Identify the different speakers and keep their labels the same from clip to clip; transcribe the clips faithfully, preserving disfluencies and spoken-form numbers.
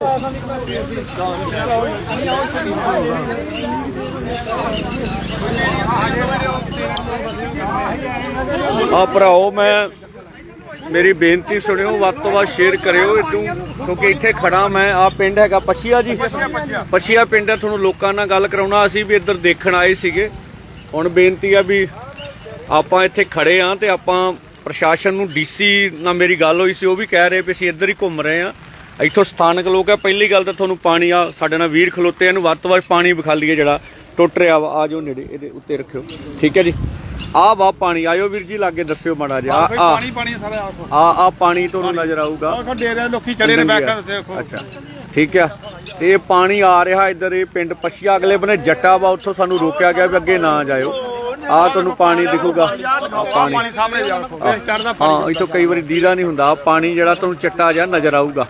Speaker 1: ਆ ਭਰਾਓ, ਮੈਂ मेरी बेनती सुनियो, ਵੱਧ ਤੋਂ ਵੱਧ शेयर करियो क्योंकि इत्थे खड़ा मैं। आ पिंड हैगा पछिया जी, पछिया पिंड है। तुहानूं लोकां नाल गल कराउणा, असीं भी इधर देखण आए सीगे। हुण बेनती है भी आपां इत्थे खड़े हाँ ते आपां प्रशासन नूं डीसी नाल मेरी गल होई सी, वो भी कह रहे भी असीं इधर ही घुम रहे हाँ। इत्थों स्थानक लोग है। पहली गल तां तुहानूं पानी आ साडे नाल वीर खलोते, इहनूं वध तों वध पानी विखा लईए जिहड़ा टुट रहा वा। आ जाओ नेड़े, इहदे उत्ते रखियो, ठीक है जी। आ वाह पानी, आयो वीर जी लागे दस्सियो माड़ा जिहा। आ आ आ पानी तुहानूं नजर आऊगा। अच्छा ठीक है, ते ये पानी आ रहा इधर, ये पिंड पछिया अगले बने जट्टा वा, उत्थों सानूं रोकिया गया भी अगे ना जाओ। आ तुहानूं पानी दिखूगा, पानी हाँ इथों कई बार दीदा नहीं हुंदा। पानी जिहड़ा तुहानूं चट्टा जिहा नजर आऊगा।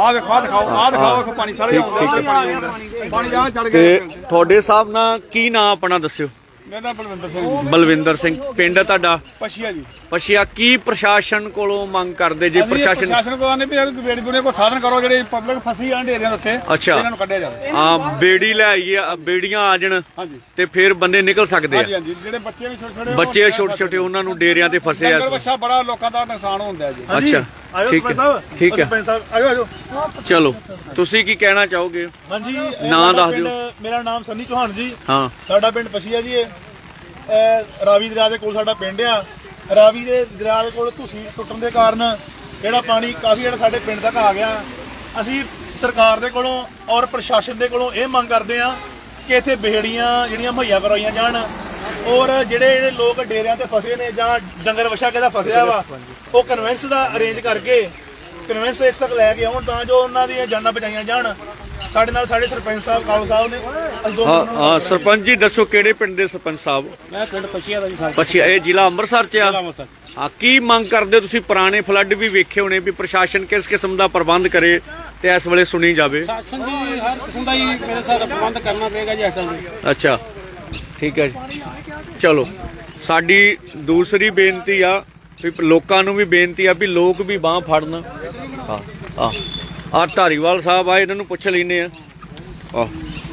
Speaker 1: ते तुहाडे हिसाब नाल की नाम अपना दस्सियो?
Speaker 2: मेरा बलविंदर सिंह।
Speaker 1: बलविंदर सिंह, पिंड है तुहाडा
Speaker 2: पछिया जी।
Speaker 1: पछिया की प्रशासन कोलों मंग करदे जे? प्रशासन
Speaker 2: प्रशासन को आने भी बेड़ी बुड़ी को साधन करो, जेडी पब्लिक फसी आं ढेरियां उत्ते,
Speaker 1: अच्छा
Speaker 2: इन्हां नूं कढिया जावे।
Speaker 1: हां बेड़ी ले आईए, बेड़ियां आ जाण ते फिर बंदे निकल सकदे आ।
Speaker 2: हां जी, जेडे बच्चे भी छोटे छोटे
Speaker 1: बच्चे छोटे छोटे उन्हां नूं डेरियां ते फसे आ।
Speaker 2: डंगर बच्चा बड़ा लोकां दा नुकसान होंदा है जी।
Speaker 1: अच्छा ठीक है, ठीक है,
Speaker 2: आजो आजो
Speaker 1: चलो तुसी की कहना चाहोगे?
Speaker 2: हां जी,
Speaker 1: नाम दस दिओ।
Speaker 2: मेरा नाम सन्नी चौहान जी।
Speaker 1: हां,
Speaker 2: साडा पिंड पछिया जी। रावी दरिया ਦੇ ਕੋਲ ਸਾਡਾ ਪਿੰਡ ਆ। ਰਾਵੀ ਦੇ ਦਰਿਆ ਦੇ ਕੋਲ ਧੂਸੀ ਟੁੱਟਣ ਦੇ ਕਾਰਨ ਜਿਹੜਾ ਪਾਣੀ ਕਾਫੀ ਜਿਹੜਾ ਸਾਡੇ ਪਿੰਡ ਤੱਕ ਆ ਗਿਆ। ਅਸੀਂ ਸਰਕਾਰ ਦੇ ਕੋਲੋਂ ਔਰ ਪ੍ਰਸ਼ਾਸਨ ਦੇ ਕੋਲੋਂ ਇਹ ਮੰਗ ਕਰਦੇ ਆ ਕਿ ਇੱਥੇ ਬੇੜੀਆਂ ਜਿਹੜੀਆਂ ਮੁਹੱਈਆ ਕਰਵਾਈਆਂ ਜਾਣ, ਔਰ ਜਿਹੜੇ ਜਿਹੜੇ ਲੋਕ ਡੇਰਿਆਂ ਤੇ ਫਸੇ ਨੇ ਜਾਂ ਡੰਗਰ ਵਛਾ ਕਿਹਦਾ ਫਸਿਆ ਵਾ, ਉਹ ਕਨਵੈਂਸ ਦਾ ਅਰੇਂਜ ਕਰਕੇ ਕਨਵੈਂਸ ਇਸ ਤੱਕ ਲੈ ਕੇ ਆਉਣ ਤਾਂ ਜੋ ਉਹਨਾਂ ਦੀਆਂ ਜਾਨਾਂ ਬਚਾਈਆਂ ਜਾਣ। ਸਾਡੇ ਨਾਲ ਸਾਡੇ ਸਰਪੰਚ ਸਾਹਿਬ ਕਾਲੂ ਸਾਹਿਬ ਨੇ।
Speaker 1: ਹਾਂ ਹਾਂ ਸਰਪੰਚ ਜੀ ਦੱਸੋ ਕਿਹੜੇ ਪਿੰਡ ਦੇ ਸਰਪੰਚ ਸਾਹਿਬ?
Speaker 2: ਮੈਂ ਪਿੰਡ ਪਛੀਆ ਦਾ ਜੀ।
Speaker 1: ਪਛੀਆ, ਇਹ ਜ਼ਿਲ੍ਹਾ ਅੰਮ੍ਰਿਤਸਰ ਚ ਆ। ਹਾਂ, ਕੀ ਮੰਗ ਕਰਦੇ ਤੁਸੀਂ? ਪੁਰਾਣੇ ਫਲੱਡ ਵੀ ਵੇਖੇ ਹੋਣੇ ਵੀ ਪ੍ਰਸ਼ਾਸਨ ਕਿਸ ਕਿਸਮ ਦਾ ਪ੍ਰਬੰਧ ਕਰੇ ਤੇ ਇਸ ਵੇਲੇ ਸੁਣੀ ਜਾਵੇ।
Speaker 2: ਪ੍ਰਸ਼ਾਸਨ ਜੀ ਹਰ ਕਿਸਮ ਦਾ ਹੀ ਮੇਰੇ ਸਾਥ ਪ੍ਰਬੰਧ ਕਰਨਾ ਪਏਗਾ ਜੀ ਇਸ ਟਾਈਮ।
Speaker 1: ਅੱਛਾ ਠੀਕ ਹੈ ਜੀ, ਚਲੋ ਸਾਡੀ ਦੂਸਰੀ ਬੇਨਤੀ ਆ ਵੀ ਲੋਕਾਂ ਨੂੰ ਵੀ ਬੇਨਤੀ ਆ ਵੀ ਲੋਕ ਵੀ ਬਾਂਹ ਫੜਨ। ਹਾਂ ਹਾਂ ਆ ਧਾਰੀਵਾਲ ਸਾਹਿਬ ਆ, ਇਹਨਾਂ ਨੂੰ ਪੁੱਛ ਲੈਨੇ ਆ। ਆ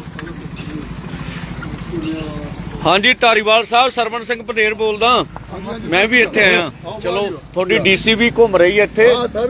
Speaker 1: ਹਾਂਜੀ ਧਾਰੀਵਾਲ ਸਾਹਿਬ, ਸਰਵਣ ਸਿੰਘ ਪਟੇਰ ਬੋਲਦਾ। ਮੈਂ ਵੀ ਇੱਥੇ ਆਇਆ। ਚਲੋ ਤੁਹਾਡੀ ਡੀਸੀ ਵੀ ਘੁੰਮ ਰਹੀ ਹੈ ਇੱਥੇ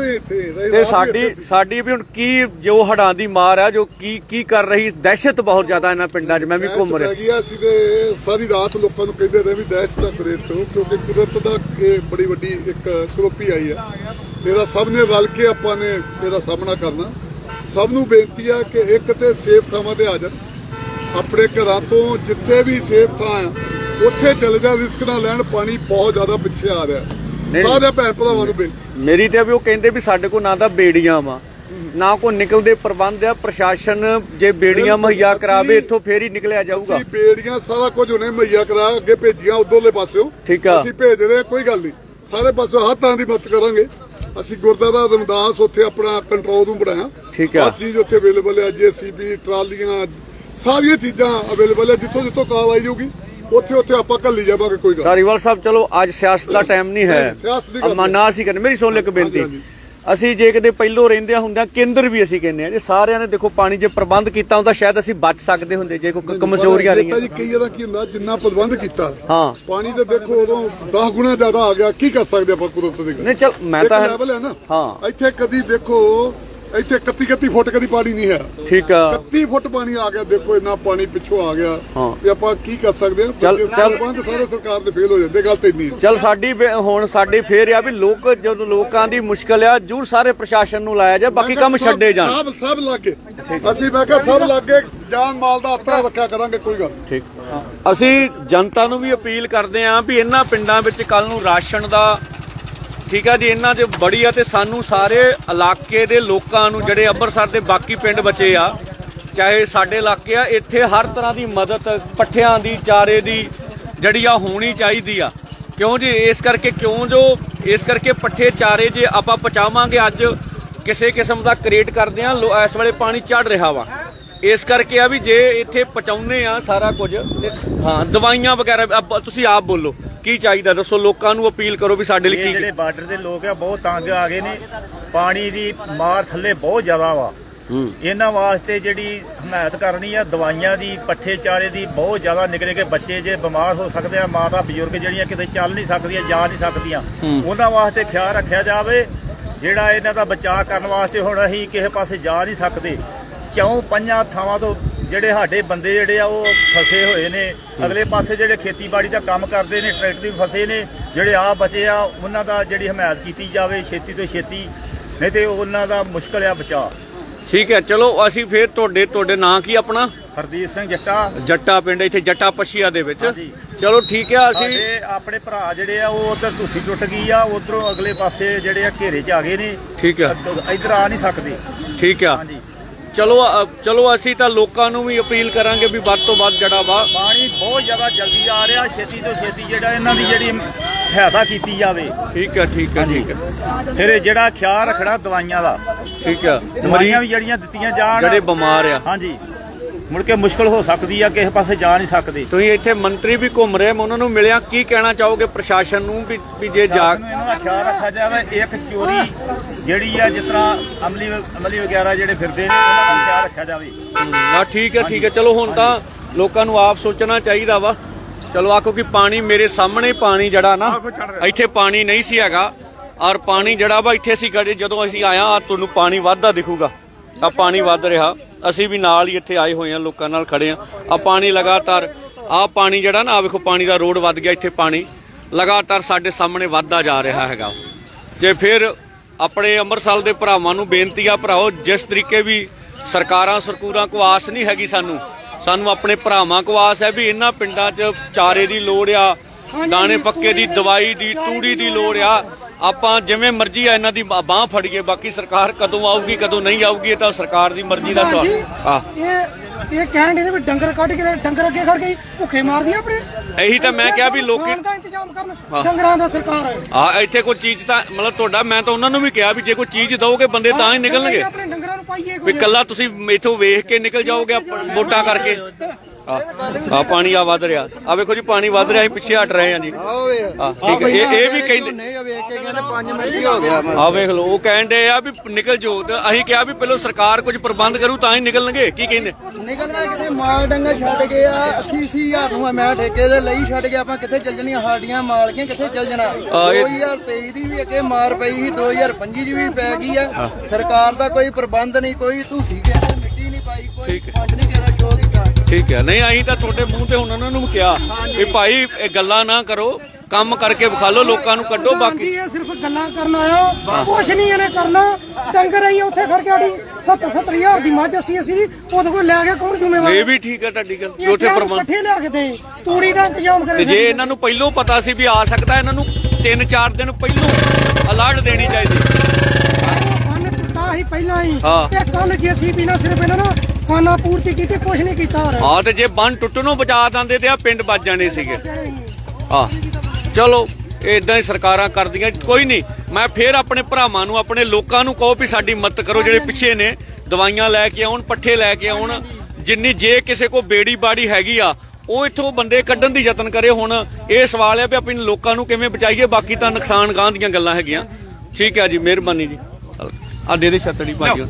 Speaker 1: ਤੇ ਸਾਡੀ ਸਾਡੀ ਵੀ ਹੁਣ ਕੀ ਜੋ ਹੜਾਂ ਦੀ ਮਾਰ ਆ, ਜੋ ਕੀ ਕੀ ਕਰ ਰਹੀ, ਦਹਿਸ਼ਤ ਬਹੁਤ ਜ਼ਿਆਦਾ ਇਹਨਾਂ ਪਿੰਡਾਂ 'ਚ। ਮੈਂ ਵੀ ਘੁੰਮ ਰਿਹਾ
Speaker 3: ਸੀ ਤੇ ਸਾਰੀ ਰਾਤ ਲੋਕਾਂ ਨੂੰ ਕਹਿੰਦੇ ਰਹੇ ਵੀ ਦਹਿਸ਼ਤ ਦਾ ਕਰੇਟ ਤੋਂ, ਕਿਉਂਕਿ ਕੁਦਰਤ ਦਾ ਇਹ ਬੜੀ ਵੱਡੀ ਇੱਕ ਕਰੋਪੀ ਆਈ ਹੈ। ਇਹਦਾ ਸਭ ਨੇ ਰਲ ਕੇ ਆਪਾਂ ਨੇ ਇਹਦਾ ਸਾਹਮਣਾ ਕਰਨਾ। ਸਭ ਨੂੰ ਬੇਨਤੀ ਆ ਕਿ ਇੱਕ ਤੇ ਸੇਫ ਥਾਵਾਂ ਤੇ ਆ ਜਾਣ, ਆਪਣੇ ਘਰਾਂ ਤੋਂ ਜਿੱਥੇ ਵੀ ਸੇਫ ਥਾਂ ਆ ਉੱਥੇ ਚਲੇ ਜਾ, ਰਿਸਕ ਨਾ ਲੈਣ। ਪਾਣੀ ਬਹੁਤ ਜ਼ਿਆਦਾ ਪਿੱਛੇ ਆ ਰਿਹਾ। ਸਾਰੇ ਭੈਣ ਭਰਾਵਾਂ ਨੂੰ ਬੇਨਤੀ
Speaker 1: ਮੇਰੀ ਤੇ ਵੀ ਉਹ ਕਹਿੰਦੇ ਵੀ ਸਾਡੇ ਕੋਲ ਨਾ ਤਾਂ ਬੇੜੀਆਂ ਵਾ ਨਾ ਕੋਈ ਨਿਕਲਦੇ ਪ੍ਰਬੰਧ ਆ। ਪ੍ਰਸ਼ਾਸਨ ਜੇ ਬੇੜੀਆਂ ਮੁਹੱਈਆ ਕਰਾਵੇ ਇੱਥੋਂ ਫੇਰ ਹੀ ਨਿਕਲਿਆ ਜਾਊਗਾ।
Speaker 3: ਅਸੀਂ ਬੇੜੀਆਂ ਸਾਰਾ ਕੁਝ ਉਹਨੇ ਮੁਹੱਈਆ ਕਰਾ ਅੱਗੇ ਭੇਜੀਆਂ ਉਧਰਲੇ ਪਾਸਿਓਂ।
Speaker 1: ਠੀਕ ਆ,
Speaker 3: ਅਸੀਂ ਭੇਜ ਰਹੇ, ਕੋਈ ਗੱਲ ਨਹੀਂ, ਸਾਰੇ ਪਾਸਿਓਂ ਹਰ ਤਰ੍ਹਾਂ ਦੀ ਮਦਦ ਕਰਾਂਗੇ। ਅਸੀਂ ਗੁਰਦੁਆਰਾ ਰਮਦਾਸ ਉੱਥੇ ਆਪਣਾ ਕੰਟਰੋਲ ਰੂਮ ਬਣਾਇਆ।
Speaker 1: ਠੀਕ ਆ,
Speaker 3: ਹਰ ਚੀਜ਼ ਉੱਥੇ ਅਵੇਲੇਬਲ ਹੈ। ਜੇਸੀਬੀ, ਟਰਾਲੀਆਂ, ਸਾਰੀਆਂ ਚੀਜ਼ਾਂ ਅਵੇਲੇਬਲ ਹੈ। ਜਿੱਥੋਂ ਜਿੱਥੋਂ ਕਾਲ ਆਈ ਜਾਊਗੀ ਉੱਥੇ ਉੱਥੇ ਆਪਾਂ ਘੱਲੀ ਜਾਵਾਂਗੇ। ਕੋਈ ਗੱਲ।
Speaker 1: ਧਾਰੀਵਾਲ ਸਾਹਿਬ ਚਲੋ ਅੱਜ ਸਿਆਸਤ ਦਾ ਟਾਈਮ ਨਹੀਂ ਹੈ, ਅਮਾ ਨਾ ਅਸੀਂ ਕਹਿੰਦੇ। ਮੇਰੀ ਸੁਣ ਲੈ ਇੱਕ ਬੇਨਤੀ, ਅਸੀਂ ਜੇ ਕਿਤੇ ਪਹਿਲੋਂ ਰਹਿੰਦਿਆਂ ਹੁੰਦਿਆਂ ਕੇਂਦਰ ਵੀ ਅਸੀਂ ਕਹਿੰਦੇ ਆ ਜੇ ਸਾਰਿਆਂ ਨੇ ਦੇਖੋ ਪਾਣੀ ਜੇ ਪ੍ਰਬੰਧ ਕੀਤਾ ਹੁੰਦਾ ਸ਼ਾਇਦ ਅਸੀਂ ਬਚ ਸਕਦੇ ਹੁੰਦੇ। ਜੇ ਕੋਈ ਕਮਜ਼ੋਰੀਆਂ ਰਹੀਆਂ
Speaker 3: ਜੀ, ਕਈ ਵਾਰ ਕੀ ਹੁੰਦਾ ਜਿੰਨਾ ਪ੍ਰਬੰਧ ਕੀਤਾ
Speaker 1: ਹਾਂ
Speaker 3: ਪਾਣੀ ਤੇ ਦੇਖੋ ਉਦੋਂ ਦਸ ਗੁਣਾ ਜ਼ਿਆਦਾ ਆ ਗਿਆ। ਕੀ ਕਰ ਸਕਦੇ ਆਪਾਂ ਕੁਦਰਤ ਦੀ ਗੱਲ?
Speaker 1: ਨਹੀਂ ਚਲ ਮੈਂ ਤਾਂ
Speaker 3: ਲੈਵਲ ਹੈ ਨਾ।
Speaker 1: ਹਾਂ
Speaker 3: ਇੱਥੇ ਕਦੀ ਦੇਖੋ ਇੱਥੇ ਇਕੱਤੀ ਇਕੱਤੀ ਫੁੱਟ ਕਦੀ ਪਾਣੀ ਨਹੀਂ ਹੈ।
Speaker 1: ਠੀਕ ਆ,
Speaker 3: ਇਕੱਤੀ ਫੁੱਟ ਪਾਣੀ ਆ ਗਿਆ। ਦੇਖੋ ਇੰਨਾ ਪਾਣੀ ਪਿੱਛੋਂ ਆ ਗਿਆ ਤੇ ਆਪਾਂ ਕੀ ਕਰ ਸਕਦੇ ਹਾਂ?
Speaker 1: ਚੱਲ ਚੱਲ
Speaker 3: ਪ੍ਰਬੰਧ ਸਾਰੇ ਸਰਕਾਰ ਦੇ ਫੇਲ ਹੋ ਜਾਂਦੇ। ਗੱਲ ਤੇ ਇੰਨੀ
Speaker 1: ਚੱਲ ਸਾਡੀ ਹੁਣ ਸਾਡੀ ਫੇਰ ਆ ਵੀ ਲੋਕ ਜਦੋਂ ਲੋਕਾਂ ਦੀ ਮੁਸ਼ਕਲ ਆ ਜਰੂਰ ਸਾਰੇ ਪ੍ਰਸ਼ਾਸਨ ਨੂੰ ਲਾਇਆ ਜਾ, ਬਾਕੀ ਕੰਮ ਛੱਡੇ ਜਾਣ।
Speaker 3: ਸਭ ਸਭ ਲੱਗੇ ਅਸੀਂ ਮੈਂ ਕਿਹਾ ਸਭ ਲੱਗੇ ਜਾਨ ਮਾਲ ਦਾ ਹੱਥ ਰੱਖਿਆ ਕਰਾਂਗੇ। ਕੋਈ ਗੱਲ
Speaker 1: ਠੀਕ। ਅਸੀਂ ਜਨਤਾ ਨੂੰ ਵੀ ਅਪੀਲ ਕਰਦੇ ਆਂ ਵੀ ਇਹਨਾਂ ਪਿੰਡਾਂ ਵਿੱਚ ਕੱਲ ਨੂੰ ਰਾਸ਼ਨ ਦਾ ਠੀਕ ਆ ਜੀ ਇਹਨਾਂ 'ਚ ਬੜੀ ਆ ਤੇ ਸਾਨੂੰ ਸਾਰੇ ਇਲਾਕੇ ਦੇ ਲੋਕਾਂ ਨੂੰ ਜਿਹੜੇ ਅੰਮ੍ਰਿਤਸਰ ਦੇ ਬਾਕੀ ਪਿੰਡ ਬਚੇ ਆ ਚਾਹੇ ਸਾਡੇ ਇਲਾਕੇ ਆ ਇੱਥੇ ਹਰ ਤਰ੍ਹਾਂ ਦੀ ਮਦਦ ਪੱਠਿਆਂ ਦੀ ਚਾਰੇ ਦੀ ਜਿਹੜੀ ਆ ਹੋਣੀ ਚਾਹੀਦੀ ਆ। ਕਿਉਂ ਜੀ? ਇਸ ਕਰਕੇ ਕਿਉਂ ਜੋ ਇਸ ਕਰਕੇ ਪੱਠੇ ਚਾਰੇ ਜੇ ਆਪਾਂ ਪਹੁੰਚਾਵਾਂਗੇ ਅੱਜ ਕਿਸੇ ਕਿਸਮ ਦਾ ਕ੍ਰੀਏਟ ਕਰਦੇ ਆ। ਇਸ ਵੇਲੇ ਪਾਣੀ ਚੜ ਰਿਹਾ ਵਾ, ਇਸ ਕਰਕੇ ਆ ਵੀ ਜੇ ਇੱਥੇ ਪਹੁੰਚਾਉਂਦੇ ਆ ਸਾਰਾ ਕੁਝ ਹਾਂ ਦਵਾਈਆਂ ਵਗੈਰਾ। ਤੁਸੀਂ ਆਪ ਬੋਲੋ ਕੀ ਚਾਹੀਦਾ ਦੱਸੋ, ਲੋਕਾਂ ਨੂੰ ਅਪੀਲ ਕਰੋ ਵੀ ਸਾਡੇ ਲਈ ਕੀ।
Speaker 4: ਜਿਹੜੇ ਬਾਰਡਰ ਦੇ ਲੋਕ ਆ ਬਹੁਤ ਤੰਗ ਆ ਗਏ ਨੇ, ਪਾਣੀ ਦੀ ਮਾਰ ਥੱਲੇ ਬਹੁਤ ਜ਼ਿਆਦਾ ਵਾ। ਇਹਨਾਂ ਵਾਸਤੇ ਜਿਹੜੀ ਹਮਾਇਤ ਕਰਨੀ ਆ ਦਵਾਈਆਂ ਦੀ, ਪੱਠੇ ਚਾਰੇ ਦੀ। ਬਹੁਤ ਜ਼ਿਆਦਾ ਨਿੱਕੇ ਨਿੱਕੇ ਬੱਚੇ ਜੇ ਬਿਮਾਰ ਹੋ ਸਕਦੇ ਆ, ਮਾਤਾ ਬਜ਼ੁਰਗ ਜਿਹੜੀਆਂ ਕਿਤੇ ਚੱਲ ਨਹੀਂ ਸਕਦੀਆਂ, ਜਾ ਨਹੀਂ ਸਕਦੀਆਂ, ਉਹਨਾਂ ਵਾਸਤੇ ਖਿਆਲ ਰੱਖਿਆ ਜਾਵੇ। ਜਿਹੜਾ ਇਹਨਾਂ ਦਾ ਬਚਾਅ ਕਰਨ ਵਾਸਤੇ ਹੁਣ ਅਸੀਂ ਕਿਸੇ ਪਾਸੇ ਜਾ ਨਹੀਂ ਸਕਦੇ। ਚੌਂ ਪੰਜਾਂ ਥਾਵਾਂ ਤੋਂ ਜਿਹੜੇ ਸਾਡੇ ਬੰਦੇ ਜਿਹੜੇ ਆ ਉਹ ਫਸੇ ਹੋਏ ਨੇ। ਅਗਲੇ ਪਾਸੇ ਜਿਹੜੇ ਖੇਤੀਬਾੜੀ ਦਾ ਕੰਮ ਕਰਦੇ ਨੇ, ਟਰੈਕਟਰ ਵੀ ਫਸੇ ਨੇ। ਜਿਹੜੇ ਆ ਬਚੇ ਆ ਉਹਨਾਂ ਦਾ ਜਿਹੜੀ ਹਮਾਇਤ ਕੀਤੀ ਜਾਵੇ ਛੇਤੀ ਤੋਂ ਛੇਤੀ, ਨਹੀਂ ਤੇ ਉਹਨਾਂ ਦਾ ਮੁਸ਼ਕਲ ਆ ਬਚਾਅ।
Speaker 1: ਠੀਕ ਹੈ, ਚਲੋ ਅਸੀਂ ਫੇਰ ਤੁਹਾਡੇ ਤੁਹਾਡੇ ਨਾਂ ਕੀ ਆਪਣਾ?
Speaker 4: ਹਰਦੀਪ ਸਿੰਘ ਜੱਟਾ,
Speaker 1: ਜੱਟਾ ਪਿੰਡ ਇੱਥੇ ਜੱਟਾ ਪਸ਼ੀਆ ਦੇ ਵਿੱਚ।
Speaker 4: ਹਾਂਜੀ।
Speaker 1: ਚਲੋ ਠੀਕ ਹੈ, ਅਸੀਂ
Speaker 4: ਸਾਡੇ ਆਪਣੇ ਭਰਾ ਜਿਹੜੇ ਆ ਉਹ ਉਧਰ ਤੁਸੀਂ ਟੁੱਟ ਗਈ ਆ, ਉਧਰੋਂ ਅਗਲੇ ਪਾਸੇ ਜਿਹੜੇ ਆ ਘੇਰੇ 'ਚ ਆ ਗਏ ਨੇ।
Speaker 1: ਠੀਕ ਹੈ,
Speaker 4: ਇੱਧਰ ਆ ਨਹੀਂ ਸਕਦੇ।
Speaker 1: ਠੀਕ ਆ।
Speaker 4: ਹਾਂਜੀ,
Speaker 1: ਚਲੋ ਅ, ਚਲੋ ਅਸੀਂ ਤਾਂ ਲੋਕਾਂ ਨੂੰ ਵੀ ਅਪੀਲ ਕਰਾਂਗੇ ਵੀ ਵੱਧ ਤੋਂ ਵੱਧ ਜਿਹੜਾ ਵਾ
Speaker 4: ਪਾਣੀ ਬਹੁਤ ਜ਼ਿਆਦਾ ਜਲਦੀ ਆ ਰਿਹਾ, ਛੇਤੀ ਤੋਂ ਛੇਤੀ ਜਿਹੜਾ ਇਹਨਾਂ ਦੀ ਜਿਹੜੀ ਸਹਾਇਤਾ ਕੀਤੀ ਜਾਵੇ।
Speaker 1: ਠੀਕ ਹੈ, ਠੀਕ ਹੈ, ਠੀਕ ਹੈ,
Speaker 4: ਫਿਰ ਇਹ ਜਿਹੜਾ ਖਿਆਲ ਰੱਖਣਾ ਦਵਾਈਆਂ ਦਾ,
Speaker 1: ਠੀਕ ਹੈ।
Speaker 4: ਦਵਾਈਆਂ ਵੀ ਜਿਹੜੀਆਂ ਦਿੱਤੀਆਂ ਜਾਣ,
Speaker 1: ਜਿਹੜੇ ਬਿਮਾਰ ਆ,
Speaker 4: ਹਾਂਜੀ, ਮੁੜ ਕੇ ਮੁਸ਼ਕਲ ਹੋ ਸਕਦੀ ਆ, ਕਿਸੇ ਪਾਸੇ ਜਾ ਨਹੀਂ ਸਕਦੇ।
Speaker 1: ਤੁਸੀਂ ਇੱਥੇ ਮੰਤਰੀ ਵੀ ਘੁੰਮ ਰਹੇ, ਮੈਂ ਉਹਨਾਂ ਨੂੰ ਮਿਲਿਆ, ਕੀ ਕਹਿਣਾ ਚਾਹੋਗੇ ਪ੍ਰਸ਼ਾਸਨ ਨੂੰ ਵੀ ਵੀ ਜੇ ਜਾ
Speaker 4: ਇਹਨਾਂ ਦਾ ਖਿਆਲ ਰੱਖਿਆ ਜਾਵੇ। ਇੱਕ ਚੋਰੀ ਜਿਹੜੀ ਆ, ਜਿਸ ਤਰ੍ਹਾਂ ਅਮਲੀ ਅਮਲੀ ਵਗੈਰਾ ਜਿਹੜੇ ਫਿਰਦੇ ਨੇ, ਉਹਨਾਂ ਦਾ ਖਿਆਲ ਰੱਖਿਆ ਜਾਵੇ।
Speaker 1: ਹਾਂ ਠੀਕ ਹੈ, ਠੀਕ ਹੈ। ਚਲੋ ਹੁਣ ਤਾਂ ਲੋਕਾਂ ਨੂੰ ਆਪ ਸੋਚਣਾ ਚਾਹੀਦਾ ਵਾ। ਚਲੋ ਆਖੋ ਕਿ ਪਾਣੀ ਮੇਰੇ ਸਾਹਮਣੇ, ਪਾਣੀ ਜਿਹੜਾ ਨਾ ਇੱਥੇ ਪਾਣੀ ਨਹੀਂ ਸੀ ਹੈਗਾ, ਔਰ ਪਾਣੀ ਜਿਹੜਾ ਵਾ ਇੱਥੇ ਸੀ ਖੜੇ, ਜਦੋਂ ਅਸੀਂ ਆਇਆ ਆ ਤੁਹਾਨੂੰ ਪਾਣੀ ਵੱਧਦਾ ਦਿਖੂਗਾ। ਆ ਪਾਣੀ ਵੱਧ ਰਿਹਾ, ਅਸੀਂ ਵੀ ਨਾਲ ਹੀ ਇੱਥੇ ਆਏ ਹੋਏ ਆ, ਲੋਕਾਂ ਨਾਲ ਖੜੇ ਆ। ਆ ਪਾਣੀ ਲਗਾਤਾਰ, ਆ ਪਾਣੀ ਜਿਹੜਾ ਨਾ, ਆ ਵੇਖੋ ਪਾਣੀ ਦਾ ਰੋਡ ਵੱਧ ਗਿਆ, ਇੱਥੇ ਪਾਣੀ ਲਗਾਤਾਰ ਸਾਡੇ ਸਾਹਮਣੇ ਵੱਧਦਾ ਜਾ ਰਿਹਾ ਹੈਗਾ। ਜੇ ਫਿਰ ਆਪਣੇ ਅੰਮ੍ਰਿਤਸਰ ਦੇ ਭਰਾਵਾਂ ਨੂੰ ਬੇਨਤੀ ਆ, ਭਰਾਓ, ਜਿਸ ਤਰੀਕੇ ਵੀ ਸਰਕਾਰਾਂ ਸਰਕੂਰਾਂ ਕੋ ਆਸ ਨਹੀਂ ਹੈਗੀ ਸਾਨੂੰ, ਸਾਨੂੰ ਆਪਣੇ ਭਰਾਵਾਂ ਕੋ ਆਸ ਹੈ ਵੀ ਇਹਨਾਂ ਪਿੰਡਾਂ 'ਚ ਚਾਰੇ ਦੀ ਲੋੜ ਆ, ਦਾਣੇ ਪੱਕੇ ਦੀ, ਦਵਾਈ ਦੀ, ਤੂੜੀ ਦੀ ਲੋੜ ਆ। ਆਪਾਂ ਜਿਵੇਂ ਮਰਜ਼ੀ ਆ ਇਹਨਾਂ ਦੀ ਬਾਹ ਫੜੀਏ, ਬਾਕੀ ਸਰਕਾਰ ਕਦੋਂ ਆਊਗੀ ਕਦੋਂ ਨਹੀਂ ਆਊਗੀ ਇਹ ਤਾਂ ਸਰਕਾਰ ਦੀ ਮਰਜ਼ੀ ਦਾ ਸਵਾਲ ਆ।
Speaker 5: ਇਹ ਇਹ ਕਹਿਣ ਦੇ ਵੀ ਡੰਗਰ ਕੱਢ ਕੇ ਡੰਗਰ ਅੱਗੇ ਖੜ ਕੇ ਭੁੱਖੇ ਮਾਰਦੀ ਆਪਣੇ।
Speaker 1: ਇਹੀ ਤਾਂ ਮੈਂ ਕਿਹਾ ਵੀ ਲੋਕੀ
Speaker 5: ਦਾ ਇੰਤਜ਼ਾਮ ਕਰਨ, ਡੰਗਰਾਂ ਦਾ ਸਰਕਾਰ ਹੈ।
Speaker 1: ਆ ਇੱਥੇ ਕੋਈ ਚੀਜ਼ ਤਾਂ ਮਤਲਬ ਤੁਹਾਡਾ, ਮੈਂ ਤਾਂ ਉਹਨਾਂ ਨੂੰ ਵੀ ਕਿਹਾ ਵੀ ਜੇ ਕੋਈ ਚੀਜ਼ ਦਓਗੇ ਬੰਦੇ ਤਾਂ ਹੀ ਨਿਕਲਣਗੇ,
Speaker 5: ਆਪਣੇ ਡੰਗਰਾਂ ਨੂੰ ਪਾਈਏ
Speaker 1: ਵੀ ਕੱਲਾ ਤੁਸੀਂ ਇੱਥੋਂ ਵੇਖ ਕੇ ਨਿਕਲ ਜਾਓਗੇ ਵੋਟਾਂ ਕਰਕੇ। ਆ ਪਾਣੀ ਆ ਵੱਧ ਰਿਹਾ, ਆ ਵੇਖੋ ਜੀ ਪਾਣੀ ਵੱਧ ਰਿਹਾ, ਅਸੀਂ ਪਿੱਛੇ ਹਟ ਰਹੇ ਹਾਂ ਜੀ। ਆ ਠੀਕ ਹੈ, ਇਹ ਇਹ ਵੀ ਕਹਿੰਦੇ ਆ, ਵੇਖ ਲਓ ਉਹ ਕਹਿਣ ਦੇ ਆ ਵੀ ਨਿਕਲ ਜੋ, ਤੇ ਅਸੀਂ ਕਿਹਾ ਵੀ ਪਹਿਲਾਂ ਸਰਕਾਰ ਕੁਝ ਪ੍ਰਬੰਧ ਕਰੂ ਤਾਂ ਹੀ ਨਿਕਲਣਗੇ। ਕੀ ਕਹਿੰਦੇ?
Speaker 6: ਨਿਕਲਣਾ ਕਿਤੇ ਮਾਲ ਡੰਗਰ ਛੱਡ ਗਏ ਆ, ਅੱਸੀ ਅੱਸੀ ਹਜ਼ਾਰ ਨੂੰ ਮੈਂ ਠੇਕੇ ਦੇ ਲਈ ਛੱਡ ਗਿਆ, ਆਪਾਂ ਕਿੱਥੇ ਚੱਲ ਜਣੀਆਂ, ਸਾਡੀਆਂ ਮਾਲਕੀਆਂ ਕਿੱਥੇ ਚੱਲ ਜਾਣਾ। ਦੋ ਹਜ਼ਾਰ ਤੇਈ ਦੀ ਵੀ ਅੱਗੇ ਮਾਰ ਪਈ ਸੀ, ਦੋ ਹਜ਼ਾਰ ਪੰਜੀ ਦੀ ਵੀ ਪੈ ਗਈ ਆ। ਸਰਕਾਰ ਦਾ ਕੋਈ ਪ੍ਰਬੰਧ ਨਹੀਂ, ਕੋਈ ਤੁਸੀਂ ਕਹਿੰਦੇ ਮਿੱਟੀ ਨਹੀਂ ਪਾਈ, ਕੋਈ ਫੰਡ ਨਹੀਂ ਕਿਹਦਾ ਸ਼ੋਅ ਕੀਤਾ।
Speaker 1: ਠੀਕ ਹੈ, ਨਹੀਂ ਅਸੀਂ ਤਾਂ ਤੁਹਾਡੇ ਮੂੰਹ ਤੇ ਹੁਣ ਉਹਨਾਂ ਨੂੰ ਕਿਹਾ ਵੀ ਭਾਈ ਇਹ ਗੱਲਾਂ ਨਾ ਕਰੋ, ਕੰਮ ਕਰਕੇ ਵਿਖਾ ਲਓ, ਲੋਕਾਂ ਨੂੰ ਕੱਢੋ। ਬਾਕੀ
Speaker 5: ਇਹ ਸਿਰਫ ਗੱਲਾਂ ਕਰਨ ਆਇਆ, ਕੁਛ ਨਹੀਂ ਇਹਨੇ ਕਰਨਾ। ਡੰਗਰ ਆਈ ਉੱਥੇ ਖੜ ਕੇ ਆੜੀ ਸੱਤਰ ਸੱਤਰ ਹਜ਼ਾਰ ਦੀ ਮੱਝ ਅਸੀਂ ਅਸੀਂ ਉਹਦੇ ਕੋਲ ਲੈ ਕੇ ਕੌਣ ਜ਼ਿੰਮੇਵਾਰ?
Speaker 1: ਇਹ ਵੀ ਠੀਕ ਹੈ ਤੁਹਾਡੀ ਗੱਲ, ਉੱਥੇ ਪ੍ਰਬੰਧ
Speaker 5: ਇਕੱਠੇ ਲਿਆ ਕੇ ਦੇ, ਤੂੜੀ ਦਾ ਇੰਤਜ਼ਾਮ ਕਰੇ।
Speaker 1: ਤੇ ਜੇ ਇਹਨਾਂ ਨੂੰ ਪਹਿਲੋਂ ਪਤਾ ਸੀ ਵੀ ਆ ਸਕਦਾ, ਇਹਨਾਂ ਨੂੰ ਤਿੰਨ ਚਾਰ ਦਿਨ ਪਹਿਲੋਂ ਅਲਰਟ ਦੇਣੀ ਚਾਹੀਦੀ।
Speaker 5: ਬੰਨ ਟੁੱਟਾ ਸੀ ਪਹਿਲਾਂ ਹੀ,
Speaker 1: ਹਾਂ।
Speaker 5: ਤੇ ਕੱਲ ਜੀਸੀਬੀ ਨਾਲ ਸਿਰਫ ਇਹਨਾਂ ਨੂੰ ਖਾਨਾ ਪੂਰਤੀ ਕੀਤੀ, ਕੁਛ ਨਹੀਂ ਕੀਤਾ।
Speaker 1: ਹਾਂ, ਤੇ ਜੇ ਬੰਨ ਟੁੱਟਣੋਂ ਬਚਾ ਦਿੰਦੇ ਤੇ ਆ ਪਿੰਡ ਬਚ ਜਾਣੇ ਸੀਗੇ। ਆ ਚਲੋ ਇਦਾਂ ਹੀ ਸਰਕਾਰਾਂ ਕਰਦੀਆਂ, ਕੋਈ ਨਹੀਂ। ਮੈਂ ਫੇਰ ਆਪਣੇ ਭਰਾਵਾਂ ਨੂੰ, ਆਪਣੇ ਲੋਕਾਂ ਨੂੰ ਕਹੋ ਵੀ ਸਾਡੀ ਮਦਦ ਕਰੋ, ਜਿਹੜੇ ਪਿੱਛੇ ਨੇ, ਦਵਾਈਆਂ ਲੈ ਕੇ ਆਉਣ, ਪੱਠੇ ਲੈ ਕੇ ਆਉਣ, ਜਿੰਨੀ ਜੇ ਕਿਸੇ ਕੋ ਬੇੜੀ ਬਾੜੀ ਹੈਗੀ ਆ ਉਹ ਇੱਥੋਂ ਬੰਦੇ ਕੱਢਣ ਦੀ ਯਤਨ ਕਰੇ। ਹੁਣ ਇਹ ਸਵਾਲ ਹੈ ਵੀ ਆਪਣੇ ਲੋਕਾਂ ਨੂੰ ਕਿਵੇਂ ਬਚਾਈਏ, ਬਾਕੀ ਤਾਂ ਨੁਕਸਾਨ ਗਾਂ ਦੀਆਂ ਗੱਲਾਂ ਹੈਗੀਆਂ। ਠੀਕ ਹੈ ਜੀ, ਮਿਹਰਬਾਨੀ ਜੀ। ਆ ਦੇ ਦੇ ਛੱਤੜੀ ਭਾਜੀ।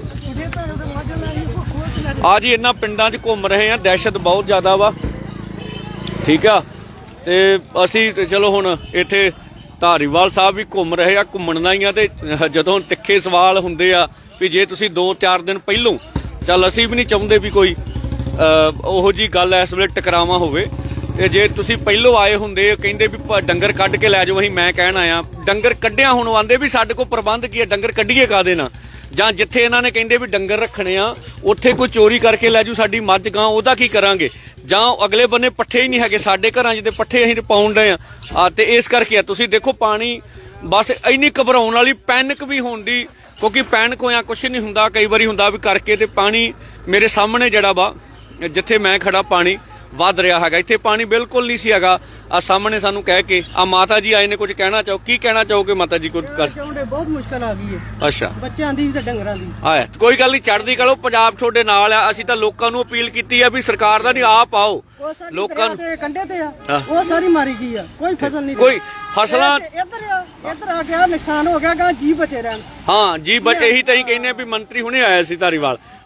Speaker 1: ਆ ਜੀ ਇਹਨਾਂ ਪਿੰਡਾਂ 'ਚ ਘੁੰਮ ਰਹੇ ਆ, ਦਹਿਸ਼ਤ ਬਹੁਤ ਜ਼ਿਆਦਾ ਵਾ। ਠੀਕ ਆ, ਤੇ ਅਸੀਂ ਤੇ ਚਲੋ ਹੁਣ ਇੱਥੇ ਧਾਰੀਵਾਲ ਸਾਹਿਬ ਵੀ ਘੁੰਮ ਰਹੇ ਆ, ਘੁੰਮਣ ਦਾ ਹੀ ਆ। ਤੇ ਜਦੋਂ ਤਿੱਖੇ ਸਵਾਲ ਹੁੰਦੇ ਆ ਵੀ ਜੇ ਤੁਸੀਂ ਦੋ ਚਾਰ ਦਿਨ ਪਹਿਲੋਂ, ਚੱਲ ਅਸੀਂ ਵੀ ਨਹੀਂ ਚਾਹੁੰਦੇ ਵੀ ਕੋਈ ਉਹੋ ਜੀ ਗੱਲ ਇਸ ਵੇਲੇ ਟਕਰਾਵਾ ਹੋਵੇ, ਤੇ ਜੇ ਤੁਸੀਂ ਪਹਿਲੋਂ ਆਏ ਹੁੰਦੇ ਕਹਿੰਦੇ ਵੀ ਡੰਗਰ ਕੱਢ ਕੇ ਲੈ ਜਾਓ, ਅਸੀਂ ਮੈਂ ਕਹਿਣ ਆਇਆ ਡੰਗਰ ਕੱਢਿਆ, ਹੁਣ ਆਂਦੇ ਵੀ ਸਾਡੇ ਕੋਲ ਪ੍ਰਬੰਧ ਕੀ ਹੈ, ਡੰਗਰ ਕੱਢੀਏ ਕਾਹਦੇ ਨਾਲ? ਜਾਂ ਜਿੱਥੇ ਇਹਨਾਂ ਨੇ ਕਹਿੰਦੇ ਵੀ ਡੰਗਰ ਰੱਖਣੇ ਆ ਉੱਥੇ ਕੋਈ ਚੋਰੀ ਕਰਕੇ ਲੈ ਜੂ ਸਾਡੀ ਮੱਝ ਗਾਂ, ਉਹਦਾ ਕੀ ਕਰਾਂਗੇ? ਜਾਂ ਅਗਲੇ ਬੰਨੇ ਪੱਠੇ ਹੀ ਨਹੀਂ ਹੈਗੇ ਸਾਡੇ ਘਰਾਂ 'ਚ, ਤੇ ਪੱਠੇ ਅਸੀਂ ਪਾਉਣ ਡਏ ਆ। ਤੇ ਇਸ ਕਰਕੇ ਆ ਤੁਸੀਂ ਦੇਖੋ ਪਾਣੀ, ਬਸ ਇੰਨੀ ਘਬਰਾਉਣ ਵਾਲੀ, ਪੈਨਿਕ ਵੀ ਹੋਣ ਦੀ, ਕਿਉਂਕਿ ਪੈਨਿਕ ਹੋਇਆ ਕੁਛ ਨਹੀਂ ਹੁੰਦਾ, ਕਈ ਵਾਰੀ ਹੁੰਦਾ ਵੀ ਕਰਕੇ। ਤੇ ਪਾਣੀ ਮੇਰੇ ਸਾਹਮਣੇ ਜਿਹੜਾ ਵਾ, ਜਿੱਥੇ ਮੈਂ ਖੜਾ, ਪਾਣੀ ਵੱਧ ਰਿਹਾ ਹੈਗਾ। ਇੱਥੇ ਪਾਣੀ ਬਿਲਕੁਲ ਨਹੀਂ ਸੀ ਹੈਗਾ। ਆ ਸਾਹਮਣੇ ਸਾਨੂੰ ਕਹਿ ਕੇ ਆ ਮਾਤਾ ਜੀ ਆਏ ਨੇ, ਕੁਝ ਕਹਿਣਾ ਚਾਹੋ? ਕੀ ਕਹਿਣਾ ਚਾਹੋਗੇ ਮਾਤਾ ਜੀ? ਕੁਝ ਕਰ
Speaker 7: ਚਾਹੁੰਦੇ, ਬਹੁਤ ਮੁਸ਼ਕਲ ਆ ਗਈ ਹੈ।
Speaker 1: ਅੱਛਾ,
Speaker 7: ਬੱਚਿਆਂ ਦੀ ਤੇ ਡੰਗਰਾਂ ਦੀ।
Speaker 1: ਆਇਆ ਕੋਈ ਗੱਲ ਨਹੀਂ, ਚੜ੍ਹਦੀ ਕਲੋ, ਪੰਜਾਬ ਤੁਹਾਡੇ ਨਾਲ ਆ। ਅਸੀਂ ਤਾਂ ਲੋਕਾਂ ਨੂੰ ਅਪੀਲ ਕੀਤੀ ਆ ਵੀ ਸਰਕਾਰ ਦਾ ਨਹੀਂ, ਆਪ ਆਓ ਲੋਕਾਂ ਨੂੰ।
Speaker 7: ਕੰਢੇ ਤੇ ਆ, ਉਹ ਸਾਰੀ ਮਾਰੀ ਗਈ ਆ, ਕੋਈ ਫਸਲ ਨਹੀਂ,
Speaker 1: ਕੋਈ ਫਸਲਾਂ
Speaker 7: ਇੱਧਰ ਇੱਧਰ ਆ ਗਿਆ, ਨੁਕਸਾਨ ਹੋ ਗਿਆ, ਗਾ ਜੀ ਬਚੇ ਰਹਿਣ।
Speaker 1: ਹਾਂ ਜੀ, ਬਟ ਇਹੀ ਤਾਂ ਹੀ ਕਹਿੰਦੇ ਵੀ ਮੰਤਰੀ ਹੁਣੇ ਆਇਆ ਸੀ ਧਾਰੀਵਾਲ,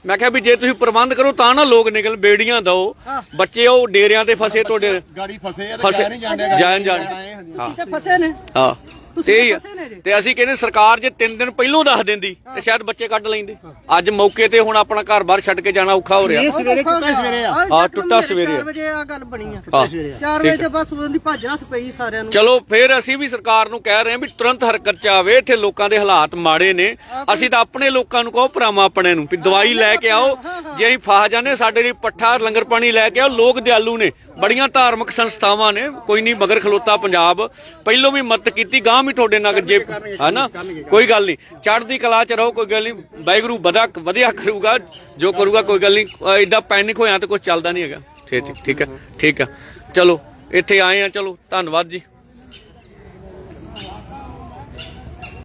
Speaker 1: ਮੈਂ ਕਿਹਾ ਵੀ ਜੇ ਤੁਸੀਂ ਪ੍ਰਬੰਧ ਕਰੋ ਤਾਂ ਨਾ ਲੋਕ ਨਿਕਲ ਬੇੜੀਆਂ ਦਿਓ ਬੱਚੇ ਉਹ ਡੇਰਿਆਂ ਤੇ ਫਸੇ ਤੁਹਾਡੇ
Speaker 2: ਗਾੜੀ ਫਸੇ ਆ
Speaker 1: ਫਸੇ ਜਾਣ ਜਾਣ ਹਾਂ
Speaker 7: ਤੇ ਫਸੇ ਨੇ
Speaker 1: ਹਾਂ
Speaker 7: ਤੁਸੀਂ
Speaker 1: ਤੇ ਇਹੀ ਆ।
Speaker 7: ਫਸੇ ਨੇ ਜੇ।
Speaker 1: ਤੇ ਅਸੀਂ ਕਹਿੰਦੇ ਸਰਕਾਰ ਜੇ ਤਿੰਨ ਦਿਨ ਪਹਿਲੋਂ ਦੱਸ ਦਿੰਦੀ ਤੇ ਸ਼ਾਇਦ ਬੱਚੇ ਕੱਢ ਲੈਂਦੇ ਅੱਜ ਮੌਕੇ ਤੇ ਹੁਣ ਆਪਣਾ ਘਰ ਬਾਹਰ ਛੱਡ ਕੇ ਜਾਣਾ ਔਖਾ ਹੋ ਰਿਹਾ
Speaker 7: ਸਵੇਰੇ ਟੁੱਟਾ ਸਵੇਰੇ ਆ
Speaker 1: ਹਾਂ, ਟੁੱਟਾ ਸਵੇਰੇ ਆ।
Speaker 7: ਚਾਰ ਵਜੇ ਆ ਗੱਲ ਬਣੀ ਆ
Speaker 1: ਹਾਂ,
Speaker 7: ਚਾਰ ਵਜੇ ਤੇ ਬਸ ਉਹਦੀ ਭੱਜ ਨੱਸ ਪਈ ਸਾਰਿਆਂ ਨੂੰ।
Speaker 1: ਚਲੋ ਫਿਰ ਅਸੀਂ ਵੀ ਸਰਕਾਰ ਨੂੰ ਕਹਿ ਰਹੇ ਹਾਂ ਵੀ ਤੁਰੰਤ ਹਰਕਤ ਚ ਆਵੇ ਇੱਥੇ ਲੋਕਾਂ ਦੇ ਹਾਲਾਤ ਮਾੜੇ ਨੇ ਅਸੀਂ ਤਾਂ ਆਪਣੇ ਲੋਕਾਂ ਨੂੰ ਕਹੋ ਭਰਾਵਾਂ ਆਪਣੇ ਨੂੰ ਵੀ ਦਵਾਈ ਲੈ ਕੇ ਆਓ ਜੇ ਅਸੀਂ ਫਸ ਜਾਂਦੇ ਸਾਡੇ ਲਈ ਪੱਠਾ ਲੰਗਰ ਪਾਣੀ ਲੈ ਕੇ ਆਓ ਲੋਕ ਦਿਆਲੂ ਨੇ ਬੜੀਆਂ ਧਾਰਮਿਕ ਸੰਸਥਾਵਾਂ ਨੇ ਕੋਈ ਨਹੀਂ ਮਗਰ ਖਲੋਤਾ ਪੰਜਾਬ ਪਹਿਲੋਂ ਵੀ ਮਦਦ ਕੀਤੀ ਗਾਂ ਵੀ ਤੁਹਾਡੇ ਨਾਲ ਜੇ ਹਨਾ ਕੋਈ ਗੱਲ ਨਹੀਂ ਚੜ੍ਹਦੀ ਕਲਾ ਚ ਰਹੋ ਕੋਈ ਗੱਲ ਨਹੀਂ ਵਾਹਿਗੁਰੂ ਵਧਾ ਵਧੀਆ ਕਰੂਗਾ ਜੋ ਕਰੂਗਾ ਕੋਈ ਗੱਲ ਨਹੀਂ ਐਡਾ ਪੈਨਿਕ ਹੋਇਆ ਤਾਂ ਕੁਝ ਚੱਲਦਾ ਨਹੀਂ ਹੈਗਾ ਠੀਕ ਠੀਕ ਹੈ ਠੀਕ ਹੈ ਚਲੋ ਇੱਥੇ ਆਏ ਆ ਚਲੋ ਧੰਨਵਾਦ ਜੀ।